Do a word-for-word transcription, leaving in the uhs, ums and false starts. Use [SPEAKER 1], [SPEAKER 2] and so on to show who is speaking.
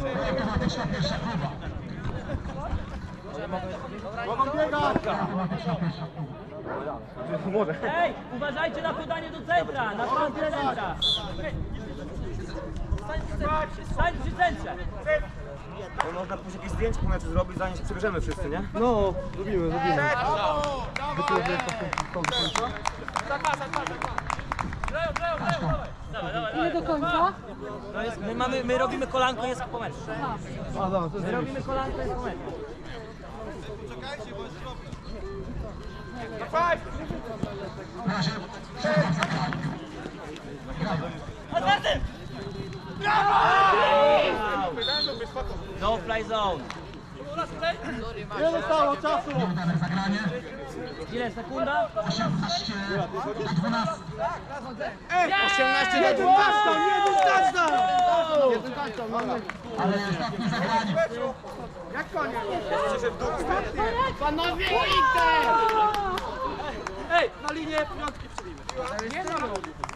[SPEAKER 1] Automatyczna pierwsza próba.
[SPEAKER 2] Mogą biegać!
[SPEAKER 3] Ej, uważajcie na podanie do centra, na podanie do centra. Stań przy centrze.
[SPEAKER 2] No, można później jakieś zdjęcie po meczu zrobić, zanim się przebierzemy wszyscy, nie?
[SPEAKER 4] No, zrobimy, zrobimy.
[SPEAKER 5] Nie do końca?
[SPEAKER 3] No jest, my, mamy, my robimy kolanko, jest po meczu.
[SPEAKER 4] A, dobra, to jest
[SPEAKER 3] My robimy kolanko, jest po meczu.
[SPEAKER 1] Na razie przerwa zagranie.
[SPEAKER 3] No fly zone.
[SPEAKER 4] Nie zostało czasu!
[SPEAKER 1] Nieudane zagranie.
[SPEAKER 3] Ile sekunda?
[SPEAKER 1] osiemnaście do dwunastu.
[SPEAKER 4] osiemnaście na dwanaście! Nie touchdown! Jeden touchdown, mamy.
[SPEAKER 1] Ale ostatnie zagranie.
[SPEAKER 4] Jak koniec? Panowie, Inter! Ej, na linię piątki przybijmy. Nie no,